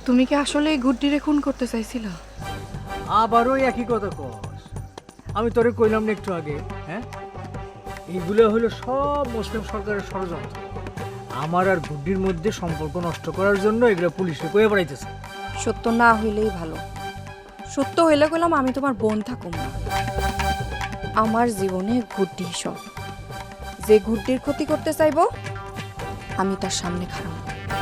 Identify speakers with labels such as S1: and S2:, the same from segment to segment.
S1: তুমি কি আসলে এই গুড্ডিরে খুন করতে চাইছিলা?
S2: আবারও একই কথা কস। আমি তোরে কইলাম না একটু আগে, হ্যাঁ? এইগুলো হলো সব মুসলিম সরকারের ষড়যন্ত্র। আমার আর গুড্ডির মধ্যে সম্পর্ক নষ্ট করার জন্য এগুলো পুলিশে কয়ে বেড়াইতেছে।
S1: সত্য না হইলেই ভালো। সত্য হইলে কইলাম আমি তোমার বোন থাকুম না। আমার জীবনে গুড্ডি সব। যে গুড্ডির ক্ষতি করতে চাইবো আমি তার সামনে খারাপ।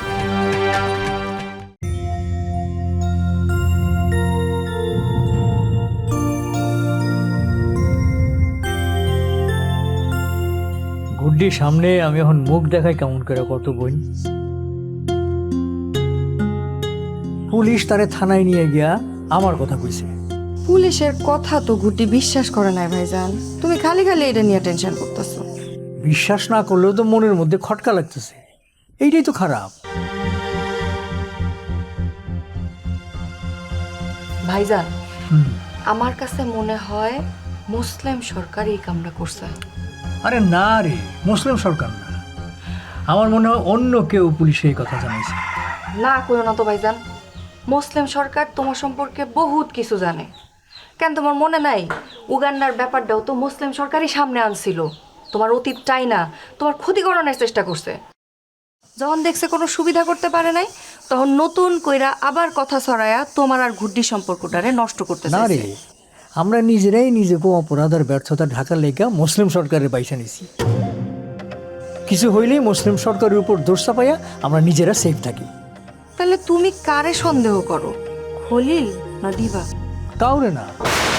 S2: গুড্ডির সামনে আমি এখন মুখ দেখাই কেমন করে কত বই। পুলিশ তারে থানায় নিয়ে গিয়া আমার কথা কইছে।
S1: পুলিশের কথা তো গুড্ডি বিশ্বাস করে নাই ভাইজান। তুমি খালি খালি এটা নিয়ে টেনশন করতেছো।
S2: বিশ্বাস না করলেও তো মনের মধ্যে খটকা লাগতেছে, এইটাই তো খারাপ।
S1: ভাইজান, আমার কাছে মনে হয় মুসলিম সরকার এই কামটা করছে।
S2: আরে না রে, মুসলিম সরকার না, আমার মনে হয় অন্য কেউ পুলিশে এই কথা জানাইছে।
S1: না কইও না তো ভাইজান, মুসলিম সরকার তোমার সম্পর্কে বহুত কিছু জানে। কেন তোমার মনে নাই উগান্ডার ব্যাপারটাও তো মুসলিম সরকারই সামনে আনছিল। তোমার অতীতটাই না তোমার ক্ষতি করানোর চেষ্টা করছে। যখন দেখছে কোনো সুবিধা করতে পারে নাই তখন নতুন কইরা আবার কথা ছড়ায়া তোমার আর গুড্ডি সম্পর্কটারে নষ্ট করতে
S2: না রে,
S1: চাইছে।
S2: আমরা নিজেরাই নিজেকে অপরাধ আর ব্যর্থতা ঢাকার লেগা মুসলিম সরকারের পয়সা নিছি। কিছু হইলেই মুসলিম সরকারের উপর দোষ চাপাইয়া আমরা নিজেরা সেফ থাকি।
S1: তাহলে তুমি কারে সন্দেহ করো, খলিল না দিবা?
S2: কাউরে না।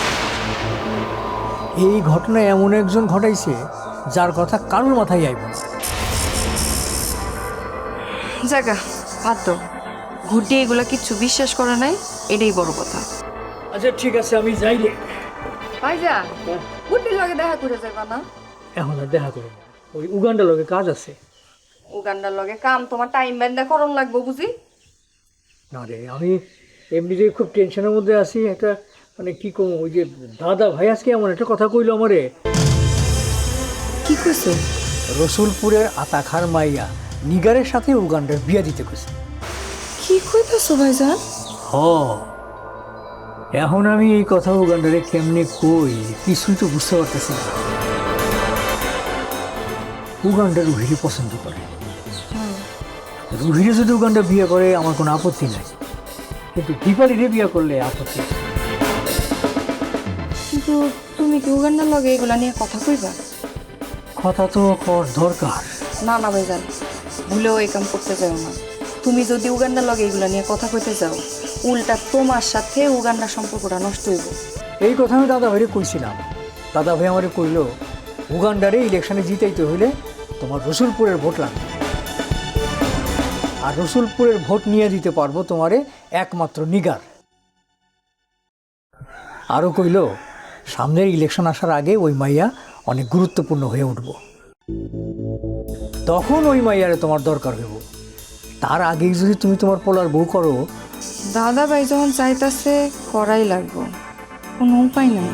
S2: এই ঘটনা এমন একজন ঘটাইছে যার কথা কারোর মাথায় আইব না।
S1: জায়গা বাদ দাও, গুড্ডি এগুলা কিচ্ছু বিশ্বাস করে নাই, এটাই বড় কথা।
S2: আচ্ছা ঠিক আছে, আমি যাই রে।
S1: ভাইজান, গুড্ডির লগে দেখা করে যাবা না?
S2: এখন আর দেখা করবো না, ওই উগান্ডার লগে কাজ আছে।
S1: উগান্ডার লগে কাম তোমার টাইম ব্যান্ডা করণ লাগবো বুঝি?
S2: না রে, আমি এমনিতেই খুব টেনশনের মধ্যে আছি। একটা মানে কি কম, ওই যে দাদা ভাই আজকে এমন একটা কথা কইলো আমারে।
S1: কি কইছে?
S2: রসুলপুরের আতাখার মাইয়া নিগারের সাথে উগান্ডার বিয়া দিতে কইছে।
S1: কি কইতাছো ভাইজান?
S2: হ, এখন আমি এই কথা উগান্ডারে কেমনে কই কিছুই তো বুঝতে পারতেছি না। উগান্ডার রুহিরে পছন্দ করে। রুহিরে যদি উগান্ডা বিয়ে করে আমার কোনো আপত্তি নাই, কিন্তু দীপালিরে বিয়ে করলে আপত্তি।
S1: কিন্তু তুমি কি উগান্ডার লগে এগুলা নিয়ে কথা কইবা?
S2: কথা তো কর দরকার।
S1: না না ভাইজান, ভুলেও এই কাম করতে যাও না। তুমি যদি উগান্ডার লগে এগুলা নিয়ে কথা কইতে যাও, উল্টা তোমার সাথে উগান্ডার সম্পর্কটা নষ্ট হইব।
S2: এই কথা আমি দাদা ভাইরে কইছিলাম। দাদা ভাই আমারে কইল উগান্ডারে ইলেকশনে জিতাইতে হইলে তোমার রসুলপুরের ভোট লাগবে, আর রসুলপুরের ভোট নিয়ে দিতে পারবো তোমারে একমাত্র নিগার। আরও কইল সামনের ইলেকশন আসার আগে ওই মাইয়া অনেক গুরুত্বপূর্ণ হয়ে উঠব, তখন ওই মাইয়ারে তোমার দরকার হইব। তার আগেই যদি তুমি তোমার পোলার বউ করো।
S1: দাদা ভাই যখন চাইতাছে করাই লাগবো, কোনো উপায় নাই।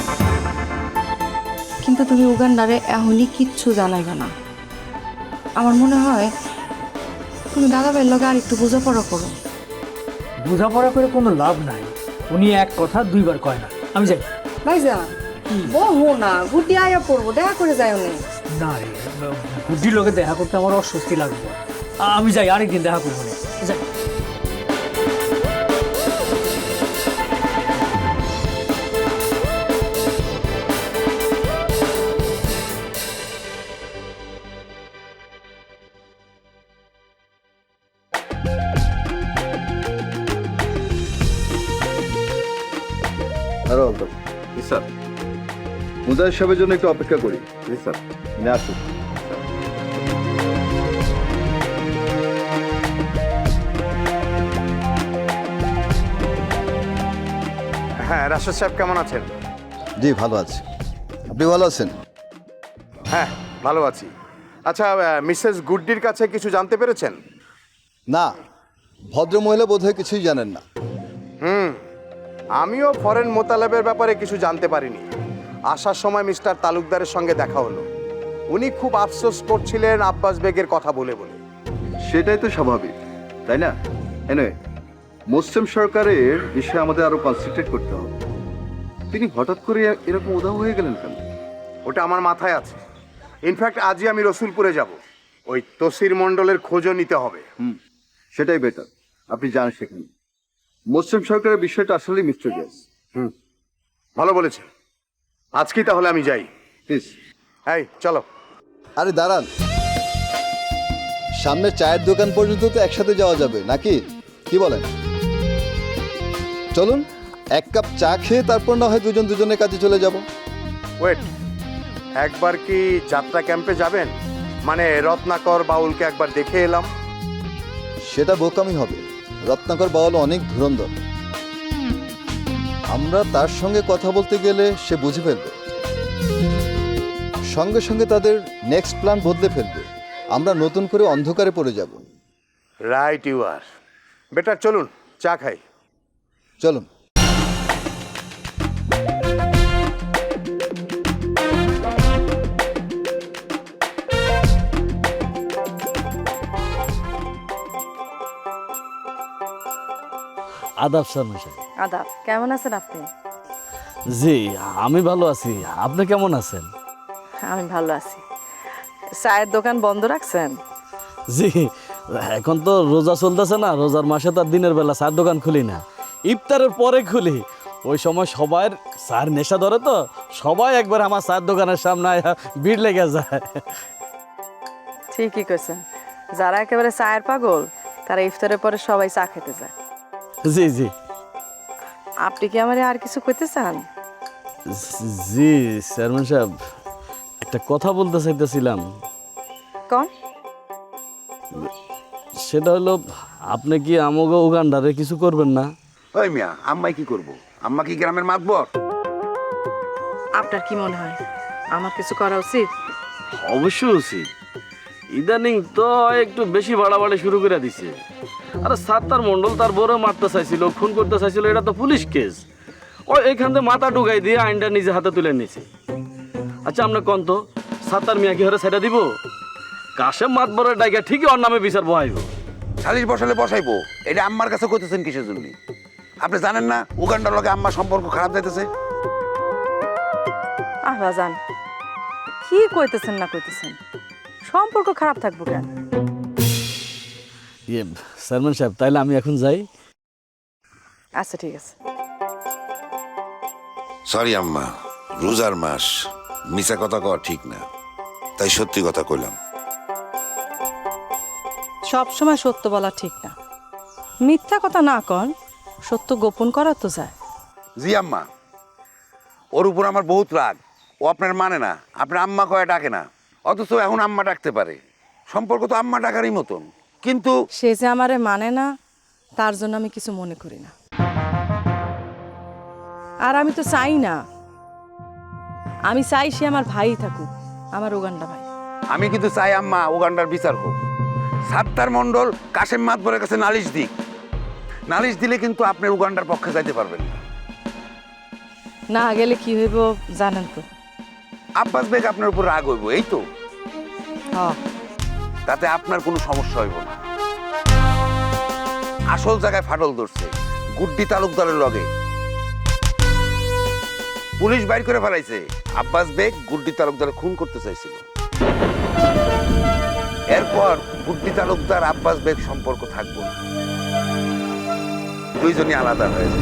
S1: কিন্তু তুমি উগান্ডারে এখনই কিচ্ছু জানাইবে না। আমার মনে হয় তুমি দাদা ভাইয়ের লগে আর একটু বোঝাপড়া করো।
S2: বোঝাপড়া করে কোনো লাভ নাই, উনি এক কথা দুইবার কয় না। আমি যাই।
S1: ভাইজা বহু না, গুড্ডি আয়া পড়বো, দেখা করে যায় অনেক।
S2: না রে, বুদ্ধির লোকে দেখা করতে আমার অস্বস্তি লাগবে। আমি যাই, আরেকদিন দেখা করবো না। যাই।
S3: আরো অন্তর স্যার, মুজাহিদ সাহেবের জন্য একটু অপেক্ষা করি। স্যার নিয়ে আসুন।
S4: হ্যাঁ, রাশেদ সাহেব কেমন আছেন?
S3: জি ভালো আছি, আপনি ভালো আছেন?
S4: হ্যাঁ ভালো আছি। আচ্ছা, মিসেস গুড্ডির কাছে কিছু জানতে পেরেছেন?
S3: না, ভদ্রমহিলা বোধহয় কিছুই জানেন না।
S4: আমিও ফরেন মোতালেবের ব্যাপারে কিছু জানতে পারিনি। আসার সময় মিস্টার তালুকদারের সঙ্গে দেখা হলো। উনি খুব আফসোস করছিলেন আব্বাস বেগের কথা বলে বলে।
S3: সেটাই তো স্বাভাবিক, তাই না? এনে মুসলিম সরকারের বিষয়ে আমাদের আরো কনসেন্ট্রেট করতে হবে। তিনি হঠাৎ করে এরকম উধাও হয়ে গেলেন কেন?
S4: ওটা আমার মাথায় আছে। ইনফ্যাক্ট আজই আমি রসুলপুরে যাব, ওই তসির মণ্ডলের খোঁজও নিতে হবে।
S3: সেটাই বেটার। আপনি যান সেখানে। মুসলিম সরকারের বিষয়টা আসলে মিস্টার গ্যাস।
S4: ভালো বলেছে, আজকেই তাহলে আমি যাই।
S3: প্লিজ।
S4: এই চলো।
S3: আরে দাঁড়ান, সামনে চায়ের দোকান পর্যন্ত তো একসাথে যাওয়া যাবে নাকি, কি বলেন? চলুন, এক কাপ চা খেয়ে তারপর না হয় দুজন দুজনের কাছে চলে যাব।
S4: ওয়েট, একবার কি যাত্রা ক্যাম্পে যাবেন? মানে রত্নাকর বাউলকে একবার দেখে এলাম।
S3: সেটা বোকামি হবে। রত্নাকর বাউল অনেক ধুরন্ধর, আমরা তার সঙ্গে কথা বলতে গেলে সে বুঝে ফেলবে, সঙ্গে সঙ্গে তাদের নেক্সট প্ল্যান বদলে ফেলবে। আমরা নতুন করে অন্ধকারে পড়ে যাব।
S4: Right you R. বেটার চলুন চা খাই।
S3: চলুন।
S5: আদাব শর্মা সাহেব।
S1: আদাব, কেমন আছেন আপনি?
S5: জি, আমি ভালো আছি। আপনি কেমন আছেন?
S1: আমি ভালো আছি। চায়ের দোকান বন্ধ রাখছেন?
S5: জি, এখন তো রোজা চলতেছে না, রোজার মাসে তো আর দিনের বেলা চার দোকান খুলি না, ইফতারের পরে খুলি। ওই সময় সবার চার নেশা ধরে, তো সবাই একবার আমার চার দোকানের সামনে আয়া ভিড় লেগে যায়।
S6: ঠিকই কইছেন, যারা একেবারে চায়ের পাগল তারা ইফতারের পরে সবাই চা খেতে যায়।
S5: জি জি
S6: আপনি কি আমারে আর কিছু কইতে চান?
S5: জি চেয়ারম্যান সাহেব, একটা কথা বলতে চাইতেছিলাম।
S6: কোন?
S5: সেটা হলো, আপনি কি আমাকে উগান্ডারে কিছু করবেন না?
S7: ওই মিয়া, আম্মাই কি করব? আম্মা কি গ্রামের মাতবর?
S6: আপনার কি মনে হয় আমার কিছু করা উচিত?
S5: অবশ্যই উচিত। ইদানিং তো একটু বেশি বাড়াবাড়ি শুরু করে দিছে। আরে সাত্তার মন্ডল তার বড় মারতে চাইছিল, খুন করতে চাইছিল, এটা তো পুলিশ কেস। ও এইখান থেকে মাথা ঢুকাই দিয়ে আইনটা নিজে হাতে তুলে নিছে। আচ্ছা আমরা কোন তো সাত্তার মিয়া কি হরে ছেড়ে দিব? কাশেম মাতবরের ডাইকা ঠিকই ওর নামে বিচার বহাইব।
S7: সালিশ বসালে বসাইবো, এটা আম্মার কাছে কইতেছেন কিসের জন্য? আপনি জানেন না উগান্ডার লগে আম্মার সম্পর্ক খারাপ যাইতেছে?
S6: জান কি কইতেছেন না কইতেছেন, সম্পর্ক খারাপ থাকবো কেন?
S5: ইয়ে চেয়ারম্যান সাহেব, তাইলে আমি এখন যাই।
S6: আচ্ছা ঠিক আছে।
S7: সরি আম্মা, রোজার মাস, মিছা কথা কওয়া ঠিক না, তাই সত্যি কথা কইলাম।
S6: সব সময় সত্য বলা ঠিক না, মিথ্যা কথা না কন, সত্য গোপন করা তো যায়।
S7: জি আম্মা, ওর উপর আমার বহুত রাগ। ও আপনার মানে না, আপনার আম্মা কয়ে ডাকে না, অথচ এখন আম্মা ডাকতে পারে। সম্পর্ক তো আম্মা ডাকারই মতন, কিন্তু
S6: সে যে আমারে মানে না তার জন্য আমি কিছু মনে করি না। আর আমি তো চাই না, আমি চাই সে আমার ভাই থাকুক, আমার উগান্ডা ভাই।
S7: আমি কিন্তু চাই আম্মা উগান্ডার বিচার হোক। সাত্তার মণ্ডল কাশেম মাতবরের কাছে নালিশ দিক। নালিশ দিলে কিন্তু আপনি উগান্ডার পক্ষে যাইতে পারবেন না।
S6: না গেলে কি হইব জানেন তো?
S7: আব্বাস বেগ আপনার উপর রাগ হইব, এই তো।
S6: হ্যাঁ,
S7: তাতে আপনার কোনো সমস্যা হইব না। আসল জায়গায় ফাটল ধরছে গুড্ডি তালুকদারের লগে। পুলিশ বাইর করে ফেলাইছে আব্বাস বেগ গুড্ডি তালুকদার খুন করতে চাইছিল। এরপর গুড্ডি তালুকদার আব্বাস বেগ সম্পর্ক থাকবো না, দুইজনই আলাদা হয়েছে।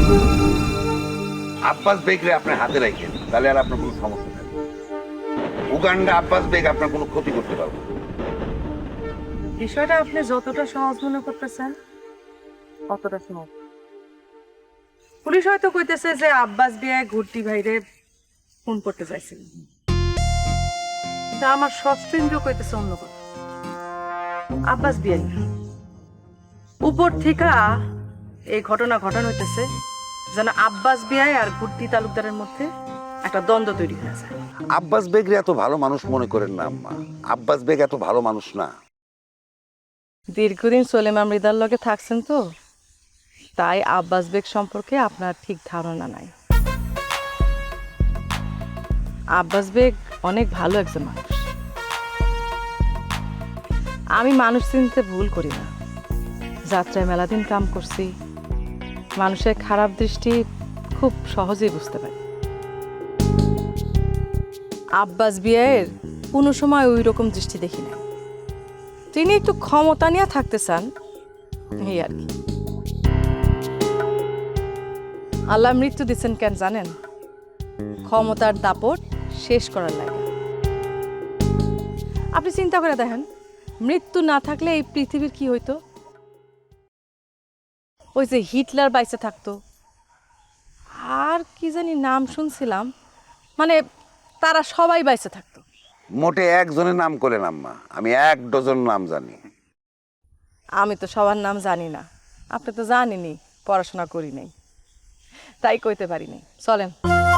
S7: আব্বাস বেগরে আপনার হাতে রাখেন, তাহলে আর আপনার কোনো সমস্যা থাকবে। উগান্ডা আব্বাস বেগ আপনার কোনো ক্ষতি করতে পারবে না।
S6: বিষয়টা আপনি যতটা সহজ মনে করতেছেন অতটা সহজ। পুলিশ হয়তো কইতেছে যে আব্বাস বিয়ে ঘুরতি ভাইরে ফোন করতে চাইছিল, কিন্তু আমার ষষ্ঠ ইন্দ্র কইতেছে অন্য কথা। আব্বাস বিয়ে উপর থেকে এই ঘটনা ঘটানো হইতেছে যেন আব্বাস বিয়ে আর ঘুরতি তালুকদারের মধ্যে একটা দ্বন্দ্ব তৈরি হয়ে যায়।
S7: আব্বাস বেগরে এত ভালো মানুষ মনে করেন না আম্মা, আব্বাস বেগ এত ভালো মানুষ না।
S6: দীর্ঘদিন সোলেমা মৃদার লগে থাকছেন তো, তাই আব্বাস বেগ সম্পর্কে আপনার ঠিক ধারণা নাই। আব্বাস বেগ অনেক ভালো একজন মানুষ। আমি মানুষ চিনতে ভুল করি না। যাত্রায় মেলাদিন কাম করছি, মানুষের খারাপ দৃষ্টি খুব সহজেই বুঝতে পারি। আব্বাস বিয়ের কোনো সময় ওই রকম দৃষ্টি দেখি না। তিনি একটু ক্ষমতা নিয়ে থাকতে চান, এই আর কি। আল্লাহ মৃত্যু দিচ্ছেন কেন জানেন? ক্ষমতার দাপট শেষ করার লাগে। আপনি চিন্তা করে দেখেন, মৃত্যু না থাকলে এই পৃথিবীর কি হইতো? ওই যে হিটলার বাইসে থাকতো, আর কি জানি নাম শুনছিলাম, মানে তারা সবাই বাইসে থাকতো।
S7: মোটে একজনের নাম করলেন আম্মা, আমি 1 ডজন নাম জানি।
S6: আমি তো সবার নাম জানি না, আপনি তো জানেনই, পড়াশোনা করি নাই, তাই কইতে পারি নাই। চলেন।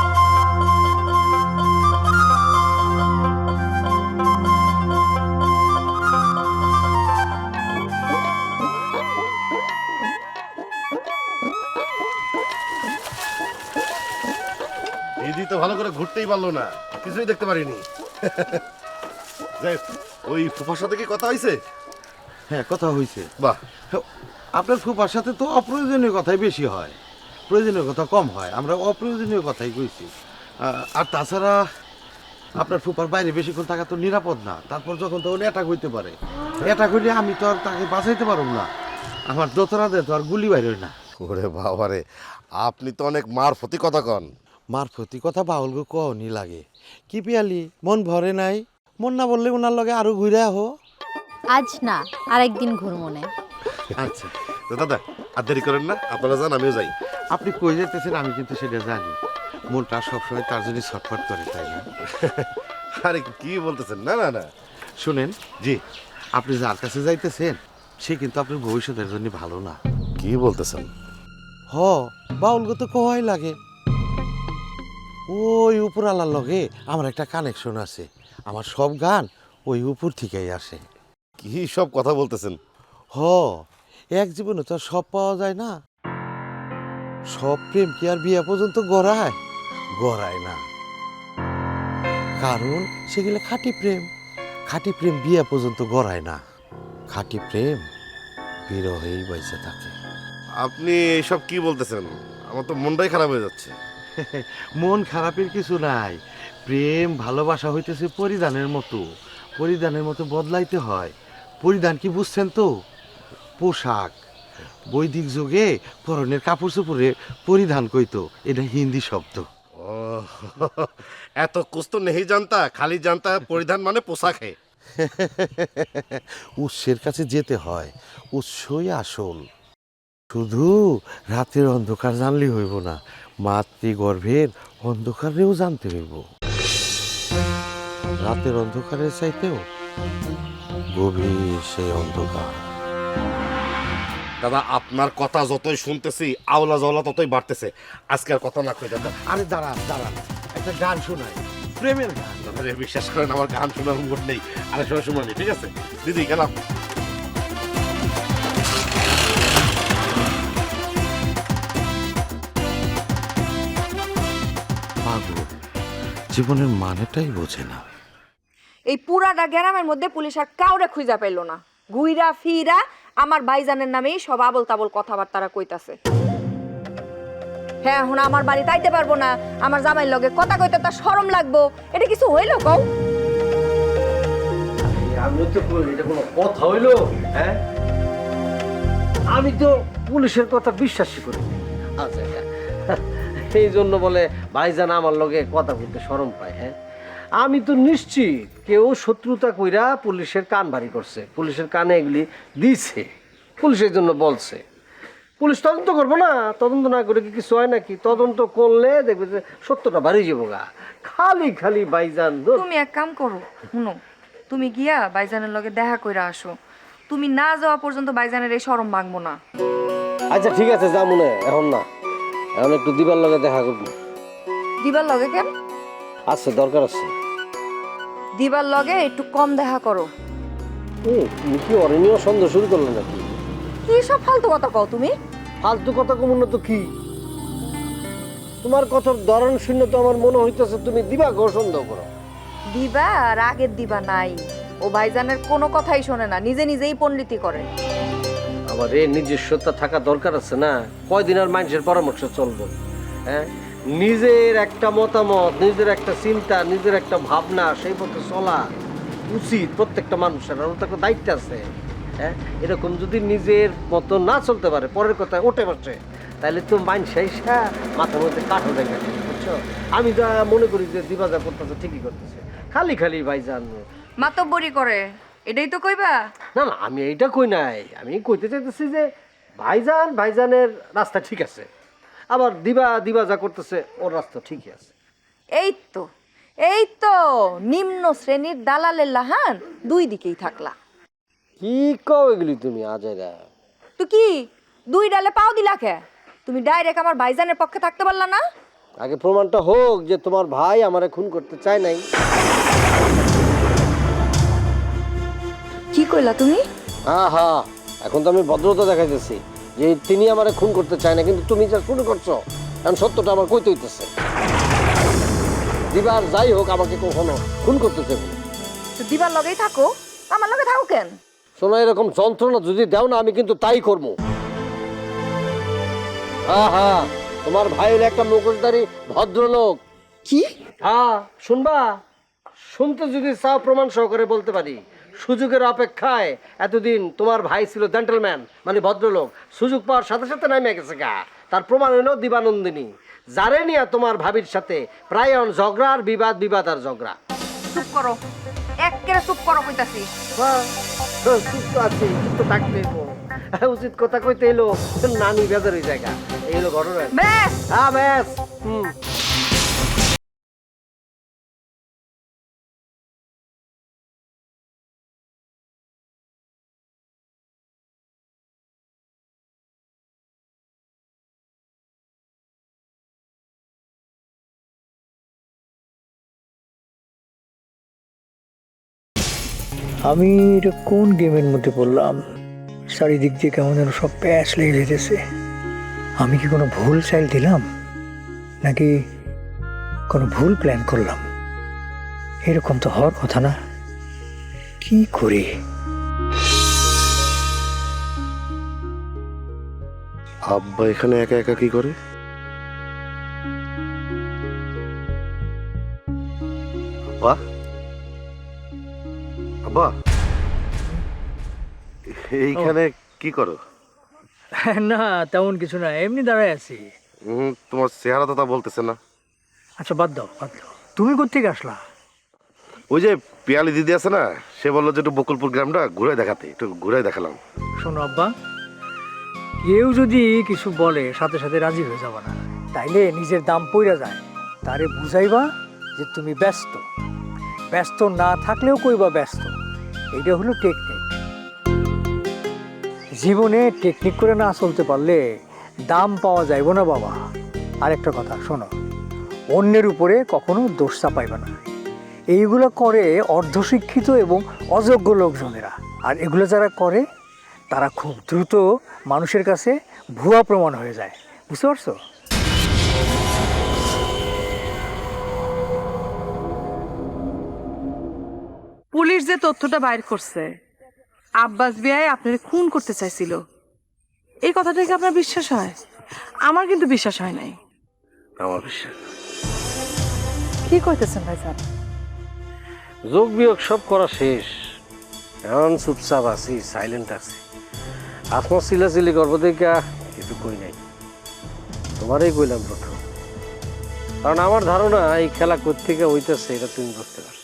S8: দিদি তো ভালো করে ঘুরতেই পারলো না, কিছুই দেখতে পারিনি। যাই হোক, ওই ফুফার সাথে কি কথা হয়েছে?
S9: হ্যাঁ, কথা হয়েছে।
S8: বাহ,
S9: আপনার ফুপার সাথে তো অপ্রয়োজনীয় কথাই বেশি হয়, প্রয়োজনীয় কথা কম হয়। আমরা অপ্রয়োজনীয় কথাই কইছি। আর তাছাড়া আপনার ফুপার বাইরে বেশিক্ষণ থাকা তো নিরাপদ না। তারপর যখন তখন অ্যাটাক হইতে পারে, অ্যাটাক হইলে আমি তো আর তাকে বাঁচাইতে পারব না। আমার দোতরাতে তো আর গুলি বাইর হয় না।
S8: ওরে বাবারে, আপনি তো অনেক মারফতি কথা কন।
S9: মারফতি কথা বাউলকে কওনি লাগে। কি পিয়ালি, মন ভরে নাই? মন না বললে ওনার লগে আরো ঘুরে আহো।
S10: আজ না, আরেকদিন ঘুরমনে।
S9: আচ্ছা,
S8: তো দাদা আর দেরি করেন না, আপনারা যান, আমিও যাই।
S9: আপনি কই যেতেছেন আমি কিন্তু সেটা জানি। মনটা সবসময় তার জন্য ছটফট করে, তাই না?
S8: আরে কি বলতেছেন? না না না,
S9: শুনেন,
S8: জি।
S9: আপনি যার কাছে যাইতেছেন সে কিন্তু আপনার ভবিষ্যতের জন্য ভালো না।
S8: কি বলতেছেন?
S9: হ, বাউলকে তো কোয়াই লাগে। ওই উপর আলার লগে আমার একটা কানেকশন আছে। আমার সব গান ওই উপর থেকেই আসে।
S8: কি সব কথা বলতেছেন?
S9: হ, এক জীবনে তো আর সব পাওয়া যায় না। সব প্রেম কি আর বিয়ে পর্যন্ত গড়ায়? গড়ায় না। কারণ সেগুলো খাঁটি প্রেম। খাঁটি প্রেম বিয়ে পর্যন্ত গড়ায় না। খাঁটি প্রেম বিরহেই বেঁচে থাকে।
S8: আপনি এইসব কি বলতেছেন? আমার তো মনটাই খারাপ হয়ে যাচ্ছে।
S9: মন খারাপের কিছু নাই। প্রেম ভালোবাসা হইতেছে পরিধানের মতো। পরিধানের মতো বদলাইতে হয়। পরিধান কি বুঝছেন তো? পোশাক। বৈদিক যুগে পরনের কাপড় চোপড়ে পরিধান কইতো, এটা হিন্দি শব্দ।
S8: ও, এত কুছ তো নেই জানতা, খালি জানতা পরিধান মানে পোশাক। হে,
S9: উৎসের কাছে যেতে হয়, উৎসই আসল। শুধু রাতের অন্ধকার জানলেই হইব না, মাতৃগর্ভের অন্ধকারেও জানতে হইব। রাতের অন্ধকারের চাইতেও গভীর সেই অন্ধকার।
S8: দাদা আপনার কথা যতই শুনতেছি আওলা জওলা ততই বাড়তেছে। আজকে আর কথা না কই দাদা।
S9: আরে দাঁড়ান দাঁড়ান, একটা গান শোনাই, প্রেমের গান।
S8: দাদা রে, বিশ্বাস করেন আমার গান শোনার মুড নেই। আরে সময় শুনানি, ঠিক আছে দিদি, গেলাম।
S9: পাগল, জীবনের মানেটাই বোঝে না।
S1: এই পুরাটা গ্রামের মধ্যে পুলিশ আর কাউরে খুঁজা পাইল না। ঘুইরা ফিরা আমার ভাইজানের নামেই সব আবল তাবল কথাবার্তারা কইতাছে। হ্যাঁ, এখন আমার বাড়ি তাইতে পারবো না, আমার জামাইর লগে কথা কইতে তার শরম লাগবো, এটা কিছু হইলো কও?
S2: আমি তো এটা কোনো কথা হইলো? হ্যাঁ, আমি তো পুলিশের কথা বিশ্বাসই করি।
S11: আচ্ছা, এই জন্য বলে ভাইজান আমার লগে কথা বলতে শরম পায়। হ্যাঁ, আমি তো নিশ্চিত কেউ শত্রুতা কইরা পুলিশের কান ভারী করছে, পুলিশের কানে এগুলি দিছে, পুলিশের জন্য বলছে। পুলিশ তদন্ত করবো না? তদন্ত না করে কি কিছু হয় নাকি? তদন্ত করলে দেখবে যে সত্যটা বাড়ি যাবো গা। খালি খালি ভাইজান।
S1: তুমি এক কাম করো, শুনো, তুমি গিয়া ভাইজানের লগে দেখা কইরা আসো। তুমি না যাওয়া পর্যন্ত ভাইজানের এই শরম ভাঙবো না।
S11: আচ্ছা ঠিক আছে, যা মনে এখন না, এখন একটু দিবার লগে দেখা করবো।
S1: দিবার লগে কেন?
S11: আচ্ছা, দরকার আছে।
S1: দিবার লগে একটু কম দেখা করো।
S11: তুমি কি অরণ্য সন্দেহ শুরু করলে নাকি?
S1: কি সব ফালতু কথা কও তুমি?
S11: ফালতু কথা কমন তো কি? তোমার কথার ধরন শূন্য তো আমার মনে হইতেছে তুমি দিবা গো সন্দেহ করো।
S1: দিবা আর আগের দিবা নাই। ও ভাইজানের কোনো কথাই শোনে না, নিজে নিজেই পণ্ডিতি করে।
S11: বাবারে নিজস্বতা থাকা দরকার আছে না, কয়দিন আর মানুষের পরামর্শ চলবো? হ্যাঁ, নিজের একটা মতামত, নিজের একটা চিন্তা, নিজের একটা ভাবনা, সেই পথে চলা উচিত প্রত্যেকটা মানুষের। আর ওর তো একটা দায়িত্ব আছে। হ্যাঁ, এরকম যদি নিজের মতো না চলতে পারে, পরের কথায় ওঠে বসে, তাহলে তো মানুষ এসে মাথার মধ্যে কাঠও দেখে, বুঝছো? আমি যা মনে করি যে দিবা যা করতেছে ঠিকই করতেছে, খালি খালি ভাইজান
S1: মাতব্বরি করে, এটাই তো কইবা?
S11: না না, আমি এইটা কই নাই। আমি কইতে চাইতেছি যে ভাইজানের রাস্তা ঠিক আছে, আবার দিবা যা করতেছে ওর রাস্তা ঠিকই আছে।
S12: এই তো নিম্ন শ্রেণীর দালালের লাহান দুই দিকেই থাকলা।
S11: কি কও এগুলি তুমি আজাইরা?
S12: তো কি দুই ডালে পাও দিলা কে? তুমি ডাইরেক্ট আমার ভাইজানের পক্ষে থাকতে পারলা না?
S11: আগে প্রমাণটা হোক যে তোমার ভাই আমারে খুন করতে চায় নাই।
S12: কি কইলা তুমি?
S11: হ্যাঁ, এখন তো আমি ভদ্রতা দেখাইতেছি যে তিনি আমারে খুন করতে চায় না, কিন্তু তুমি যা শুরু করছো, কারণ সত্যটা আমার কইতে হইতেছে। দিবার যাই হোক আমাকে কখনো খুন করতে চাইবে না।
S12: তো দিবার লগেই থাকো, আমার লগে থাকো কেন?
S11: শোনো, এরকম যন্ত্রণা যদি দাও না, আমি কিন্তু তাই করবো। হ্যাঁ, তোমার ভাই হলো একটা মুখোশধারী ভদ্রলোক।
S12: কি?
S11: হ্যাঁ, শুনবা? শুনতে যদি চাও প্রমাণ সহকারে বলতে পারি। সুযোগের অপেক্ষায় এতদিন তোমার ভাই ছিল জেন্টলম্যান, মানে ভদ্রলোক। সুযোগ পাওয়ার সাথে সাথে নামে গেছে গা। তার প্রমাণ হলো দিবানন্দিনী, যারে নিয়ে তোমার ভাবির সাথে প্রায় ঝগড়া আর বিবাদ আর ঝগড়া।
S1: চুপ করো, একেবারে চুপ করো কইতাছি।
S11: চুপ তো আছি, চুপ তো থাকতেই উচিত কথা কইতে এলো নানি বেজার ওই জায়গা। এই হলো ঘটনা।
S1: ব্যাস,
S11: হ্যাঁ ব্যাস।
S2: আমি এটা কোন গেমের মধ্যে পড়লাম? চারিদিক দিয়ে কেমন যেন সব প্যাচ লেগে যেতেছে। আমি কি কোনো ভুল চাইল দিলাম, নাকি কোনো ভুল প্ল্যান করলাম? এরকম তো হওয়ার কথা না। কি করি?
S8: আব্বা এখানে একা একা কি করে? আব্বা, আব্বা এইখানে কি করো?
S2: না তেমন কিছু না, এমনি দাঁড়ায় আছি।
S8: তোমার চেহারা তো তা বলতেছে না।
S2: আচ্ছা বাদ দাও। তুমি কোত্থেকে আসলা?
S8: ওই যে পিয়ালি দিদি আছে না, সে বললো যে একটু বকুলপুর গ্রামটা ঘুরে দেখাতে, একটু ঘুরে দেখালাম।
S2: শোনো আব্বা, কেউ যদি কিছু বলে সাথে সাথে রাজি হয়ে যাবা না, তাইলে নিজের দাম পইরা যায়। তারে বুঝাইবা যে তুমি ব্যস্ত না থাকলেও কইবা ব্যস্ত। এটা হলো টেকনিক। জীবনে টেকনিক করে না চলতে পারলে দাম পাওয়া যাইব না বাবা। আরেকটা কথা শোনো, অন্যের উপরে কখনো দোষ চাপাইবে না। এইগুলো করে অর্ধশিক্ষিত এবং অযোগ্য লোকজনেরা। আর এগুলো যারা করে তারা খুব দ্রুত মানুষের কাছে ভুয়া প্রমাণ হয়ে যায়। বুঝতে পারছো?
S6: পুলিশ যে তথ্যটা বাইর করছে আব্বাস বিয়ায় আপনারে খুন করতে চাইছিল, এই কথাটা কি আপনার বিশ্বাস হয়? আমার কিন্তু বিশ্বাস হয় নাই।
S8: আমার বিশ্বাস।
S6: কি কইতেছেন ভাইজান?
S11: যোগ বিয়োগ সব করা শেষ, এখন চুপচাপ আছি, সাইলেন্ট আছি। আসমা চিলাচিলি করবো দেখা কিছু কই নাই, তোমারই কইলাম প্রথম। কারণ আমার ধারণা এই খেলা কোত্থেকে হইতেছে এটা তুমি বুঝতে পারছো।